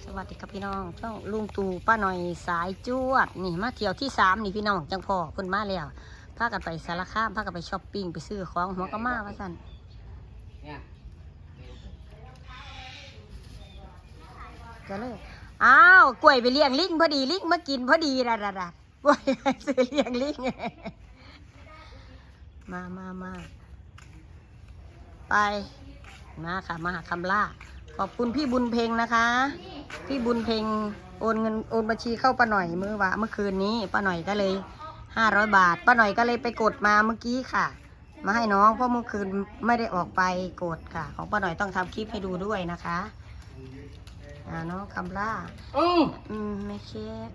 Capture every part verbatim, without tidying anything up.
วัสดีครับพี่น้องช่องลุงตู่ป้าหน่อยสายจวดนี่มาเที่ยวที่สามนี่พี่น้องจังพ่อเพิ่นมาแล้วพากันไปสารคามพากันไปช้อปปิ้งไปซื้อของหัวกะมาว่าสั่นก็เลยอ้าวกล้วยไปเลี้ยงลิงพอดีลิงมากินพอดีระระระกล้วยไปซื้อเลี้ยงลิงมามามาไปมาค่ะมาหาคำล่าขอบคุณพี่บุญเพ็งนะคะพี่บุญเพ็งโอนเงินโอนบัญชีเข้าป้าหน่อยเมื่อวะเมื่อคืนนี้ป้าหน่อยก็เลยห้าร้อยบาทป้าหน่อยก็เลยไปกดมาเมื่อกี้ค่ะมาให้น้องเพราะเมื่อคืนไม่ได้ออกไปกดค่ะของป้าหน่อยต้องทำคลิปให้ดูด้วยนะคะอ่าน้องคำล่าอืมอืมไม่เค้ก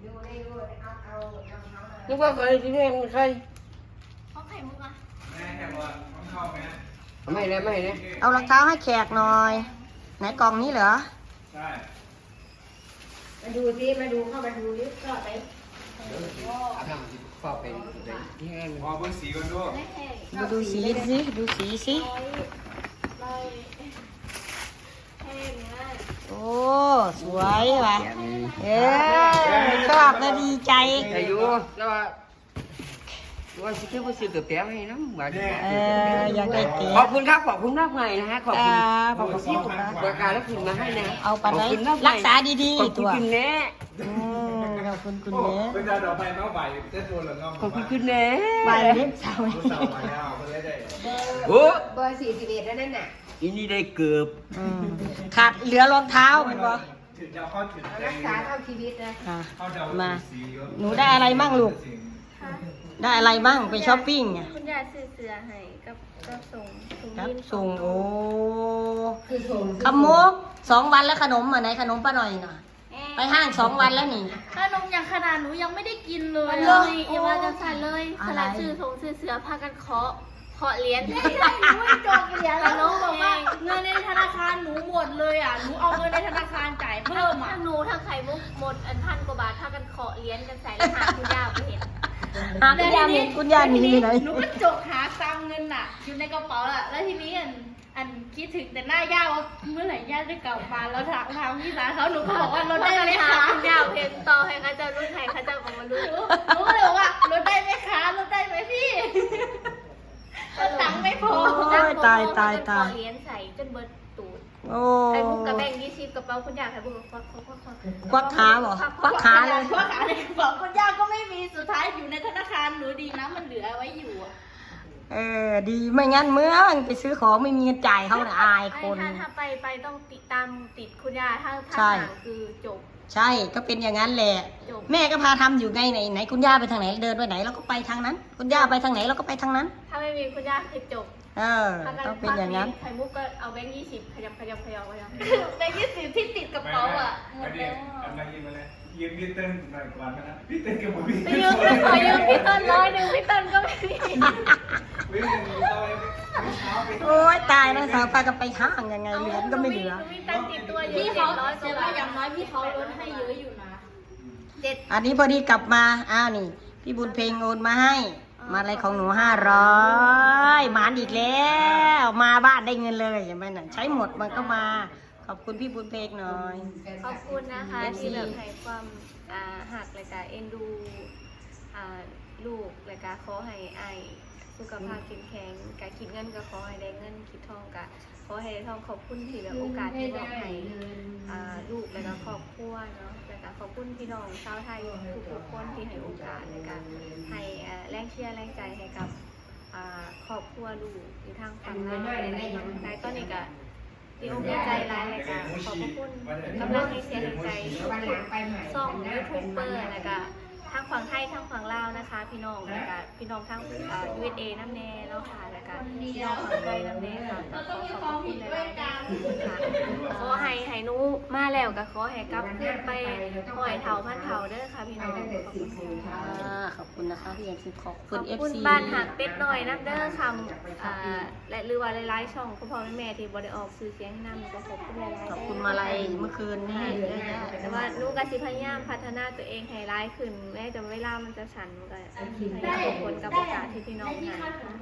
นึกว่าใครที่นี่มันใครเขาไข่มุกอะไม่เลยไม่เลยเอารองเท้าให้แขกหน่อยไหนกล่องนี้เหรอใช่มาดูสิมาดูเข้ามาดูลิฟต์ก็ไปอาทำสิพ่อไปที่แห้งพอเพิ่งสีกันด้วยดูดูสีสิดูสีสิโอ้สวยว่ะเออชอบนะดีใจอายุแล้วว่าว่าสิเกี่ยวกับสื่อเตี๋ยวให้น้ำหวานเอออยากได้เตี๋ยวขอบคุณครับขอบคุณมากเลยนะฮะขอบคุณขอบคุณที่คุณนะบริการแล้วคุณมาให้นะเอาไปเลยรักษาดีๆตัวคุณแน่ขอบคุณคุณแม่เป็นดาวดอกไม้เมาใบเต้นตัวหรือเงาขอบคุณคุณแน่ใบเล็กสาวสาวไปแล้วคนได้ได้โอ้เบอร์สี่สิบเอ็ดแล้วนั่นน่ะอีนี่ได้เกือบขาดเหลือรองเท้าเหมือนบ่ถึงจะเข้าถึงรักษาเท่าชีวิตนะมาหนูได้อะไรบ้างลูกได้อะไรบ้างไปช้อปปิ้งอ่ะคุณยายซื้อเสื้อให้กับกับส่งกับส่งโอ้คือส่งขมุกสองวันแล้วขนมอ่ะไหนขนมป้าหน่อยหน่อยไปห้างสองวันแล้วนี่ขนมอย่างขนาดหนูยังไม่ได้กินเลยเลยอย่าว่าจะใส่เลยสลัดซื้อส่งซื้อเสื้อพากันเคาะเคาะเหรียญไม่ใช่หนูไม่จองเหรียญแล้วน้องบอกว่าเงินในธนาคารหนูหมดเลยอ่ะหนูเอาเงินในธนาคารจ่ายเพิ่มอ่ะทั้งหนูทั้งไข่มุกหมดอันพันกว่าบาทพากันเคาะเหรียญกันใส่แล้วหาคุณย่าไปเห็นหาคุณย่ามีคุณย่ามีที่ไหนหนูก็จกหาตังเงินอ่ะอยู่ในกระเป๋าอ่ะแล้วทีนี้อันอันคิดถึงแต่หน้าย่าว่าเมื่อไหร่ย่าจะกลับมาแล้วถามถามพี่สาวเขาหนูก็บอกว่ารถได้ไหมคะคุณย่าเพนต่อให้เขาจะรุ่นไหนเขาจะบอกมารุ่นหนูก็เลยบอกว่ารถได้ไหมคะรถได้ไหมพี่ตังค์ไม่พอตายตายตายเหรียญใส่จนเบิร์ดตูดโอ้ไข่มุกกับแบงค์ยี่สิบกระเป๋าคุณย่าไข่มุกควักควักควักควักขาเหรอควักขาเลยควักขาเลยกระเป๋าคุณย่าก็ไม่มีสุดท้ายอยู่ในธนาคารหนูดีนะมันเหลือไว้อยู่เออดีไม่งั้นเมื่อไปซื้อของไม่มีเงินจ่ายเขาน่ะอายคนถ้าถ้าไปไปต้องติดตามติดคุณย่าถ้าถ้าห่างคือจบใช่ก็เป็นอย่างนั้นแหละแม่ก็พาทำอยู่ไงไหนไหนคุณย่าไปทางไหนเดินไปไหนเราก็ไปทางนั้นคุณย่าไปทางไหนเราก็ไปทางนั้นถ้าไม่มีคุณย่าคือจบเออต้องเป็นอย่างนั้นไข่มุกก็เอาแบงค์ยี่สิบขยำขยำขยำขยำแบงค์ยี่สิบที่ติดกระเป๋าอ่ะหมดแล้วอันมายืมมาเลยยืมพี่เต้นหน่อยก่อนนะพี่เต้นกับผมพี่ไปยืมก็ขอยืมพี่เต้นร้อยหนึ่งพี่เต้นก็ไม่มีโอ้ยตายนะสาวพากันไปห้างยังไงเหรียญก็ไม่เหลือพี่เขาเสียว่าอย่างน้อยพี่เขาลดให้เยอะอยู่นะเจ็ดอันนี้พอดีกลับมาอ้าวนี่พี่บุญเพลงโอนมาให้มาอะไรของหนูห้าร้อยหมานอีกแล้วมาบ้านได้เงินเลยอย่างไรน่ะใช้หมดมันก็มาขอบคุณพี่บุญเพลงหน่อยขอบคุณนะคะที่แบบให้ความหักเลยค่ะเอ็นดูลูกเลยค่ะขอให้ไอสุขภาพเข้มแข็งการคิดเงินก็ขอให้ได้เงินคิดทองก็ขอให้ได้ทองขอบคุณที่แบบโอกาสที่มอบให้ลูกแล้วก็ครอบครัวเนาะแล้วก็ขอบคุณพี่น้องชาวไทยทุกๆคนที่ให้โอกาสในการให้แรงเชียร์แรงใจให้กับครอบครัวลูกอยู่ทางฝั่งนั้นในตอนนี้ก็ดีอกดีใจหลายเลยค่ะขอบคุณกำลังให้เสียงใจส่องยูทูบเบอร์นะคะทางฝั่งไทยทางฝั่งลาวนะคะพี่น้องนะคะพี่น้องทางยูเอสเอน้ำแน่เนาะค่ะนะคะพี่น้องฝั่งไทยน้ำแน่ค่ะขอขอบคุณหลายๆค่ะขอให้ให้นุมาแล้วก็ขอให้กลับขึ้นไปหอยเถาพันเถาเด้อค่ะพี่น้องขอบคุณค่ะขอบคุณนะคะพี่เอ็มซีขอบคุณเอฟซีบ้านหักเป็ดหน่อยน้ำเด้อคำและหรือว่าหลายๆช่องคุณพ่อแม่ที่บริออกซื้อเสียงให้น้ำก็ขอบคุณหลายๆขอบคุณมาลัยเมื่อคืนนี่แต่ว่าลูกกสิพยายามพัฒนาตัวเองให้ร้ายขึ้นแม้แต่เวลามันจะฉันมันก็พยายามผลกับโอกาสที่พี่น้องให้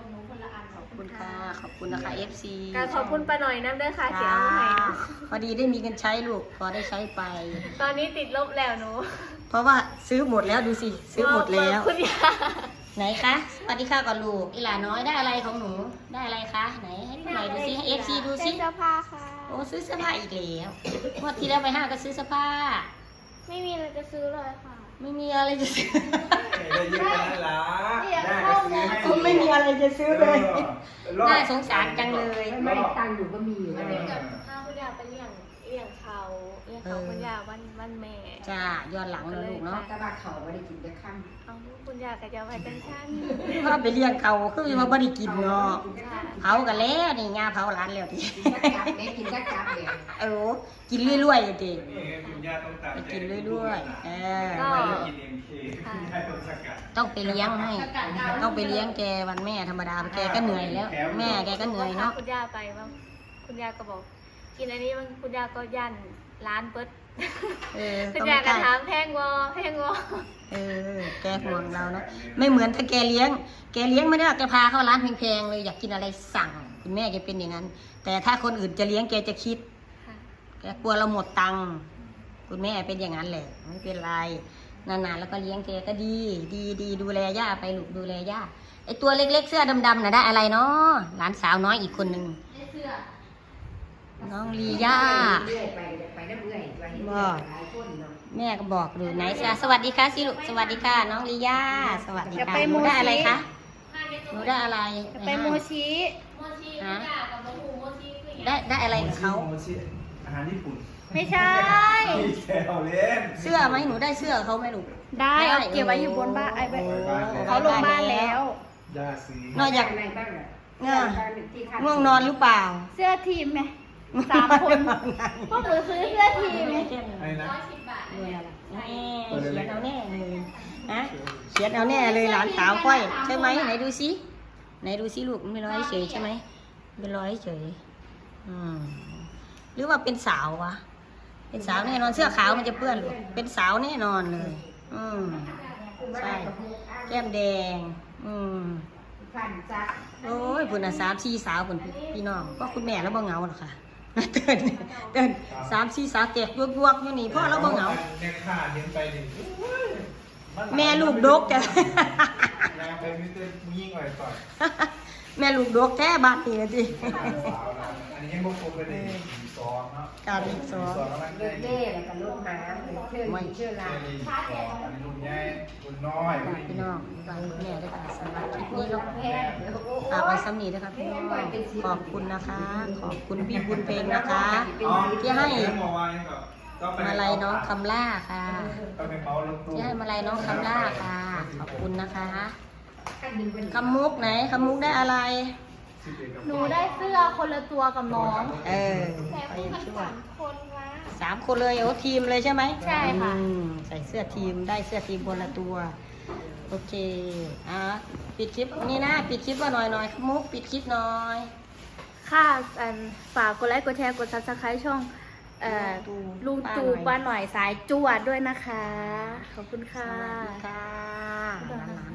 ละอันขอบคุณค่ะ ขอบคุณนะคะ เอฟ ซีการขอบคุณป้าหน่อยน้ำเด้อค่ะเสียเอามาให้หนูพอดีได้มีเงินใช้ลูก พอได้ใช้ไปตอนนี้ติดลบแล้วหนูเพราะว่าซื้อหมดแล้วดูสิ ซื้อหมดแล้วคุณยาไหนคะสวัสดีค่ะก่อนลูกอีหลาน้อยได้อะไรของหนู ได้อะไรคะ ไหนให้หน่อยดูสิให้ เอฟ ซี ดูสิเสื้อผ้าค่ะโอ้ซื้อเสื้อผ้าอีกแล้วงวดที่แล้วไปห้างก็ซื้อเสื้อผ้าไม่มีอะไรจะซื้อเลยค่ะไม่มีอะไรจะซื้อได้เยอะแล้วล่ะได้ก็ซื้อให้ผมไม่มีอะไรจะซื้อเลยรอบน่าสงสารจังเลยไม่ได้ตังค์อยู่ก็มีอยู่วันนะนี้กับข้าวคุณยาไปเลี้ยงเลี้ยงเขาเลี้ยงเขาคุณยาวันวันแม่จ้าย้อนหลังเลยลูกเนาะตะบาเขาไม่ได้กินจะข้ามเอาคุณยากับยาไว้จังชั้นว่าไปเลี้ยงเขาคือว่าบ่ได้กินเนาะค่ะเผากันแล้วนี่งาเผาร้านแล้วทีกินจักจับแม่กินจักจับเนี่ยเออกินเรื่อยๆทีนี่คุณย่าต้องตามไปกินเรื่อยๆเออไม่ได้กินเอ็มเคคุณย่าต้องสกัดต้องไปเลี้ยงให้ ต้องไปเลี้ยงแกวันแม่ธรรมดาแกก็เหนื่อยแล้ว แม่แกก็เหนื่อยเนาะคุณยาไปบ้างคุณยาก็บอก กินอันนี้บางคุณยาก็ยันร้านเปิดเออคุณต้องยาก็ได้ถามแพงวอแพงวอเออแกห่วงเราเนาะไม่เหมือนถ้าแกเลี้ยง แกเลี้ยงไม่ได้หรอกแกพาเข้าร้านแพงๆเลยอยากกินอะไรสั่งคุณแม่แกเป็นอย่างนั้น แต่ถ้าคนอื่นจะเลี้ยงแกจะคิดค่ะแกกลัวเราหมดตังค์คุณแม่เป็นอย่างนั้นแหละไม่เป็นไรนานๆแล้วก็เลี้ยงแกก็ดี ดีดีดูแลย่าไปลูกดูแลย่าไอตัวเล็กๆเสื้อดำๆน่ะได้อะไรเนาะหลานสาวน้อยอีกคนนึงเสื้อน้องลีย่าเรื่อยไปไปน้ำเรื่อยไปหลายคนเนาะแม่ก็บอกดูไหนจ้ะสวัสดีค่ะสิลูกสวัสดีค่ะน้องลีย่าสวัสดีค่ะหนูได้อะไรคะหนูได้อะไรไปโมชิฮะได้ได้อะไรกับเขาโมชิอาหารญี่ปุ่นไม่ใช่พี่แซวเล่นเสื้อไหมหนูได้เสื้อเขาไหมลูกได้เอาเก็บไว้อยู่บนบ้านไอ้ไปโอ้เขาลงบ้านแล้วย่าซื้อนอกจากอะไรบ้างอ่ะง่วงนอนหรือเปล่าเสื้อทีมไหมสามคนพวกหนูซื้อเสื้อทีมอะไรนะด้วยอะไรแน่เขียนเอาแน่เลยนะเขียนเอาแน่เลยหลานสาวก้อยใช่ไหมไหนดูสิไหนดูสิลูกมันเป็นร้อยเฉยใช่ไหมเป็นร้อยเฉยอืมหรือว่าเป็นสาววะเป็นสาวแน่นอนเสื้อขาวมันจะเปื้อนลูกเป็นสาวแน่นอนเลย อืมใช่แก้มแดง อืมพันจักโอ้ยพุ่นอ่ะสามสี่สาวพุ่นพี่น้องก็คุณแม่แล้วบ่เหงาหรอกค่ะเดินเดินสามสี่สาวแจกยวกยวกๆอยู่นี่พ่อแล้วบ่เหงาแม่ข้าเลี้ยงไปดิแม่ลูกดกจ้ะแม่ไปมิเตอร์ยิ่งไว้ก่อนแม่ลูกดกแท้บ้านนี่นะจิสาวนะอันนี้ยังบ่ครบเลยดิสองเนาะการอีกสองสองแล้วมันได้เล่แล้วก็ลูกน้ำเชื่อเชื่อเจลาลีสองอันนี้รุ่นใหญ่รุ่นน้อยฝากพี่น้องฝากคุณแม่ด้วยค่ะสำหรับคลิปนี้เราฝากไว้ซ้ำนี้ด้วยค่ะพี่น้องขอบคุณนะคะ ขอบคุณพี่บุญเพลงนะคะ ที่ให้ มาลัยน้องคำล่าค่ะก็เป็นเมาส์รถตู้ที่ให้มาลัยน้องคำล่าค่ะ ขอบคุณนะคะขั้นหนึ่งเป็นคำมุกไหนคำมุกได้อะไรหนูได้เสื้อคนละตัวกับน้องเออแต่ไปคู่กันช่วสาย มคนวะสามคนเลยโอ้ทีมเลยใช่ไหมใช่ค่ะอืมใส่เสื้อทีมได้เสื้อทีมคนละตัว โอเคอ่ะปิดคลิปนี่นะปิดคลิปว่าหน่อยหน่อยมุกปิดคลิปหน่อยค่ะอันฝากกดไลค์กดแชร์กดซับสไครต์ช่องเอ่อลุงตู่ป้าหน่อยสายจวดด้วยนะคะ ขอบคุณสค่ะวัสดีค่ะหลานๆ